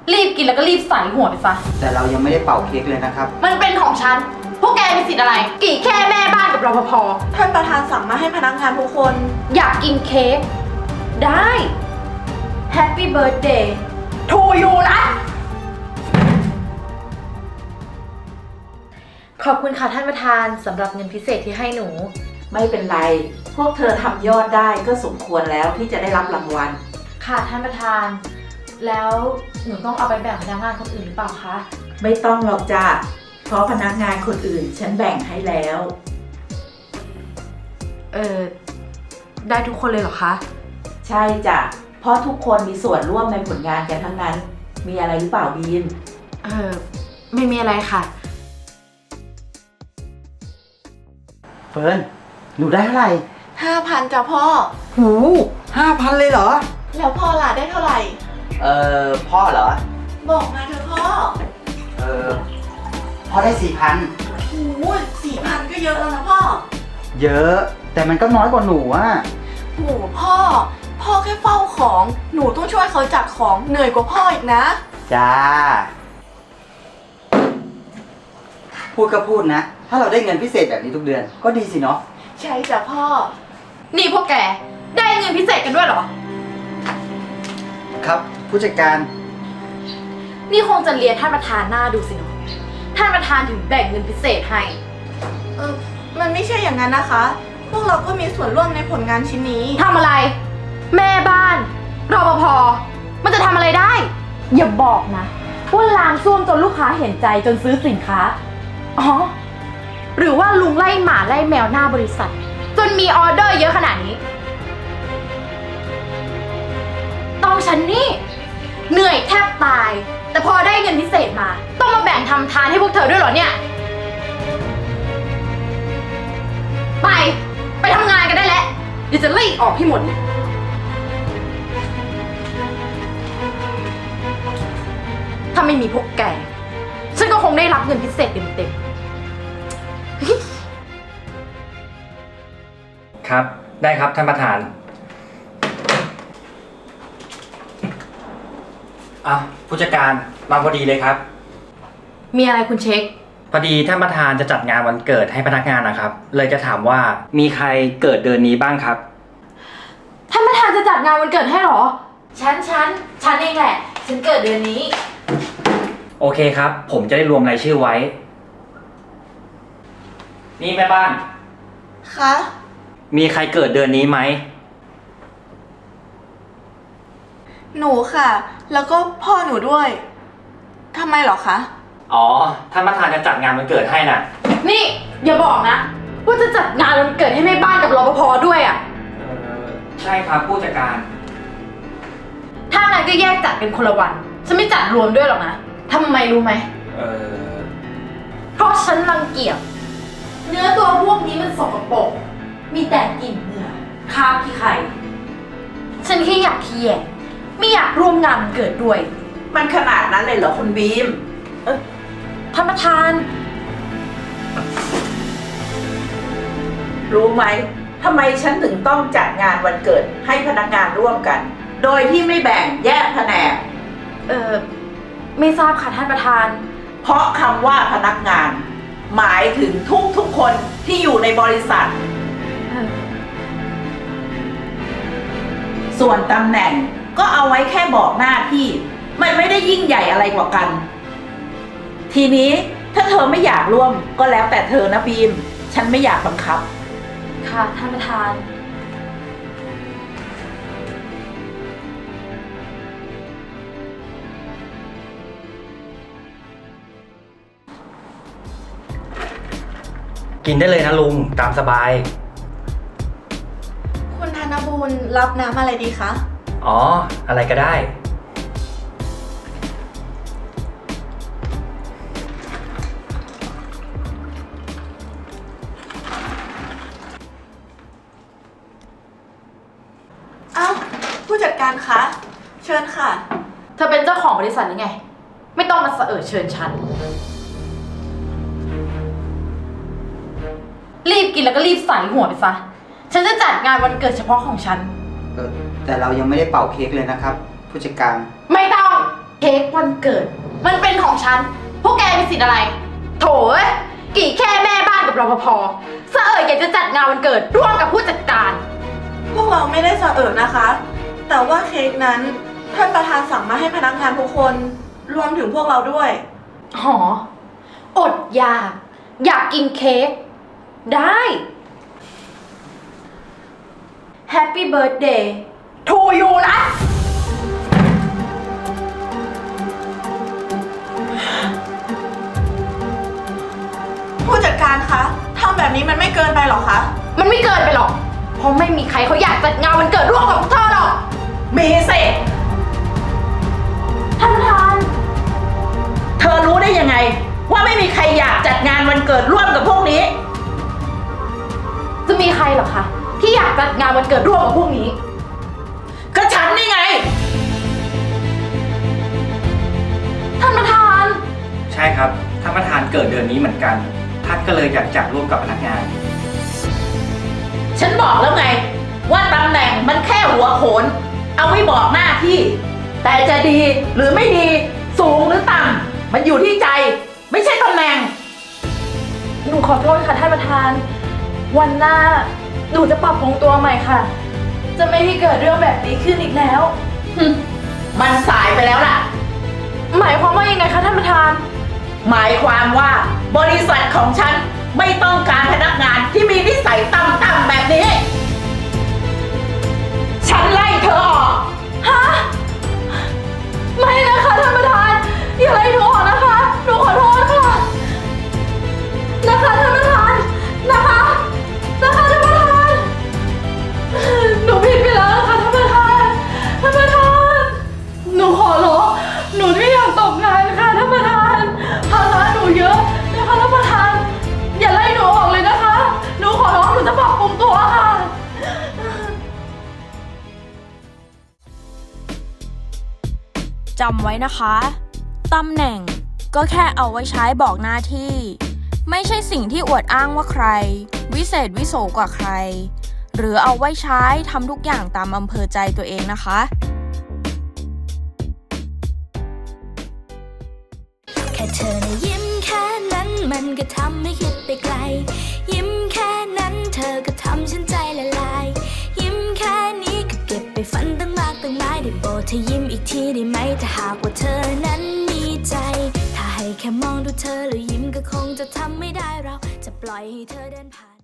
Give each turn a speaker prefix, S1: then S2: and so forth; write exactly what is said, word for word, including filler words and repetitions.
S1: รีบกินแล้วก็รีบใส่หัวไปซะ
S2: แต่เรายังไม่ได้เป่าเค้กเลยนะครับ
S1: มันเป็นของฉันพวกแกมีสิทธิ์อะไรกี่แค่แม่บ้านกับรปภ
S3: ท่านประธานสั่งมาให้พนักงานทุกคน
S1: อยากกินเค้กได้ Happy Birthday to you นะขอบคุณค่ะท่านประธานสำหรับเงินพิเศษที่ให้หนู
S4: ไม่เป็นไรพวกเธอทำยอดได้ก็สมควรแล้วที่จะได้รับรางวัล
S1: ค่ะท่านประธานแล้วหนูต้องเอาไปแบ่งพนักงานคนอื่นหรือเปล่าคะ
S4: ไม่ต้องหรอกจ้ะเพราะพนักงานคนอื่นฉันแบ่งให้แล้ว
S1: เออได้ทุกคนเลยเหรอคะ
S4: ใช่จ้ะเพราะทุกคนมีส่วนร่วมในผลงานกันทั้งนั้นมีอะไรหรือเปล่าบีม
S1: เออไม่มีอะไรค่ะ
S2: เฟิร์นหนูได้เท่าไหร่
S3: ห้าพันจ้ะพ่อ
S2: หูห้าพันเลยเหรอ
S3: แล้วพ่อล่ะได้เท่าไหร่
S2: เอ่อพ่อเหรอ
S3: บอกมาเถอะพ่อ
S2: เออพ่อได้สี่พัน
S3: โอ้สี่พันก็เยอะแล้วนะพ่อ
S2: เยอะแต่มันก็น้อยกว่าหนูอะ
S3: โอ้พ่อพ่อแค่เฝ้าของหนูต้องช่วยเขาจัดของเหนื่อยกว่าพ่ออีกนะ
S2: จ้าพูดก็พูดนะถ้าเราได้เงินพิเศษแบบนี้ทุกเดือนก็ดีสิเนาะ
S3: ใช่จ้ะพ่อ
S1: นี่พวกแกได้เงินพิเศษกันด้วยเหรอ
S2: ครับผู้จัดการ
S1: นี่คงจะเรียนท่านประธานหน้าดูสิเนาะท่านประธานถึงแบ่งเงินพิเศษให้
S3: เออมันไม่ใช่อย่างนั้นนะคะพวกเราก็มีส่วนร่วมในผลงานชิ้นนี้
S1: ทำอะไรแม่บ้านรปภมันจะทำอะไรได้อย่าบอกนะว่าล้างส้วมจนลูกค้าเห็นใจจนซื้อสินค้าอ๋อหรือว่าลุงไล่หมาไล่แมวหน้าบริษัทจนมีออเดอร์เยอะขนาดนี้ต้องฉันนี่เหนื่อยแทบตายแต่พอได้เงินพิเศษมาต้องมาแบ่งทำทานให้พวกเธอด้วยเหรอเนี่ยไปไปทำงานกันได้แล้วเดี๋ยวจะไล่ออกให้หมดถ้าไม่มีพวกแกฉันก็คงได้รับเงินพิเศษเต็ม
S5: ๆครับได้ครับท่านประธานอ่ะผู้จัดการมาพอดีเลยครับ
S1: มีอะไรคุณเช็ค
S5: พอดีท่านประธานจะจัดงานวันเกิดให้พนักงานนะครับเลยจะถามว่ามีใครเกิดเดือนนี้บ้างครับ
S1: ท่านประธานจะจัดงานวันเกิดให้หรอฉันฉันฉันเองแหละฉันเกิดเดือนนี้
S5: โอเคครับผมจะได้รวมรายชื่อไว้นี่แม่บ้าน
S3: คะ
S5: มีใครเกิดเดือนนี้ไหม
S3: หนูค่ะแล้วก็พ่อหนูด้วยทำไมหรอคะ
S5: อ๋อท่านประธานจะจัดงานวันเกิดให้น่ะ
S1: นี่อย่าบอกนะว่าจะจัดงานวันเกิดให้แม่บ้านกับรปภด้วยอ่ะ
S5: เออใช่ครับผู้จัดการ
S1: ถ้างั้นก็แยกจัดเป็นคนละวันฉันไม่จัดรวมด้วยหรอกนะทำไมรู้ไหม
S5: เออ
S1: เพราะฉันรังเกียจเนื้อตัวพวกนี้มันสกปรกมีแต่กลิ่นเหงื่อคราบขี้ไข่ฉันแค่อยากเคียไม่อยากร่วมงานวันเกิดด้วย
S4: มันขนาดนั้นเลยเหรอคุณบีม
S1: เออท่านประธาน
S4: รู้ไหมทำไมฉันถึงต้องจัดงานวันเกิดให้พนักงานร่วมกันโดยที่ไม่แบ่งแยกแผนก
S1: เออไม่ทราบค่ะท่านประธาน
S4: เพราะคำว่าพนักงานหมายถึงทุกทุกคนที่อยู่ในบริษัทส่วนตำแหน่งก็เอาไว้แค่บอกหน้าที่มันไม่ได้ยิ่งใหญ่อะไรกว่ากันทีนี้ถ้าเธอไม่อยากร่วมก็แล้วแต่เธอนะบีมฉันไม่อยากบังคับ
S1: ค่ะท่านประธาน
S5: กินได้เลยนะลุงตามสบาย
S3: คุณธนบูรณ์รับน้ำอะไรดีคะ
S5: อ๋ออะไรก็ได้
S3: อ้าวผู้จัดการคะเชิญค่ะ
S1: เธอเป็นเจ้าของบริษัทหรือไงไม่ต้องมาเสอเชิญฉันรีบกินแล้วก็รีบใส่หัวไปซะฉันจะจัดงานวันเกิดเฉพาะของฉัน
S2: เออแต่เรายังไม่ได้เป่าเค้กเลยนะครับผู้จัดการ
S1: ไม่ต้องเค้กวันเกิด มันเป็นของฉัน พวกแกมีสิทธิ์อะไร โถเอ้ยกี่แค่แม่บ้านกับรปภเสอะเอ่ยอยากจะจัดงานวันเกิดร่วมกับผู้จัดการ
S3: พวกเราไม่ได้สะเอิดนะคะ แต่ว่าเค้กนั้นท่านประธานสั่งมาให้พนักงานทุกคนรวมถึงพวกเราด้วย
S1: หอ อดอยาก อยากกินเค้ก ได้ Happy birthday to you นะ
S3: ผู้จัดการคะทำแบบนี้มันไม่เกินไปหรอคะ
S1: มันไม่เกินไปหรอก เพราะไม่มีใครเขาอยากจัดงานวันเกิดร่วมกับพวกเธอหรอก
S4: มีสิ
S1: ท่านประธาน
S4: เธอรู้ได้ยังไง ว่าไม่มีใครอยากจัดงานวันเกิดร่วมกับพวกนี้
S1: จะมีใครเหรอคะ ที่อยากจัดงานวันเกิดร่วมกับพวกนี้
S4: ก็ฉันนี่ไง
S1: ท่านประธาน
S5: ใช่ครับท่านประธานเกิดเดือนนี้เหมือนกันท่านก็เลยอยากจัดร่วมกับพนักงาน
S4: ฉันบอกแล้วไง ว่าตำแหน่งมันแค่หัวโขน เอาไว้บอกหน้าที่ แต่จะดีหรือไม่ดี สูงหรือต่ำมันอยู่ที่ใจ ไม่ใช่ตำแหน่ง
S1: หนูขอโทษค่ะท่านประธาน วันหน้าหนูจะปรับปรุงตัวใหม่ค่ะ จะไม่ให้เกิดเรื่องแบบนี้ขึ้นอีกแล้ว
S4: มันสายไปแล้วล่ะ
S1: หมายความว่ายังไงคะท่านประธาน
S4: หมายความว่าบริษัทของฉันไม่ต้องการพนักงานที่มีนิสัยต่ำๆแบบนี้ ฉันไล่เธอออก
S1: ฮะ ไม่นะคะท่านประธาน อย่าไล่หนูออกนะคะ หนูขอโทษค่ะ นะคะท่านประธาน นะคะ นะคะท่านประธาน หนูผิดไปแล้วนะคะท่านประธาน ท่านประธาน หนูขอร้องหนูไม่อยากตกงานค่ะท่านประธาน ภาระหนูเยอะนะคะท่านประธาน อย่าไล่หนูออกเลยนะคะ หนูขอร้องหนูจะปรับปรุงตัวค่ะ
S6: จำไว้นะคะ ตำแหน่งก็แค่เอาไว้ใช้บอกหน้าที่ ไม่ใช่สิ่งที่อวดอ้างว่าใคร วิเศษวิโสกว่าใคร หรือเอาไว้ใช้ทำทุกอย่างตามอำเภอใจตัวเองนะคะ
S7: แค่เธอนะยิ้มแค่นั้นมันก็ทำให้คิดไปไกล ยิ้มแค่นั้นเธอก็ทำฉันใจละลาย ยิ้มแค่นี้ก็เก็บไปฝันตั้งมากตั้งหลายได้โปรดเธอยิ้มอีกทีได้ไหมถ้าหากว่าเธอนั้นมีใจ ถ้าให้แค่มองดูเธอแล้วยิ้มก็คงจะทำไม่ได้เราจะปล่อยให้เธอเดินผ่าน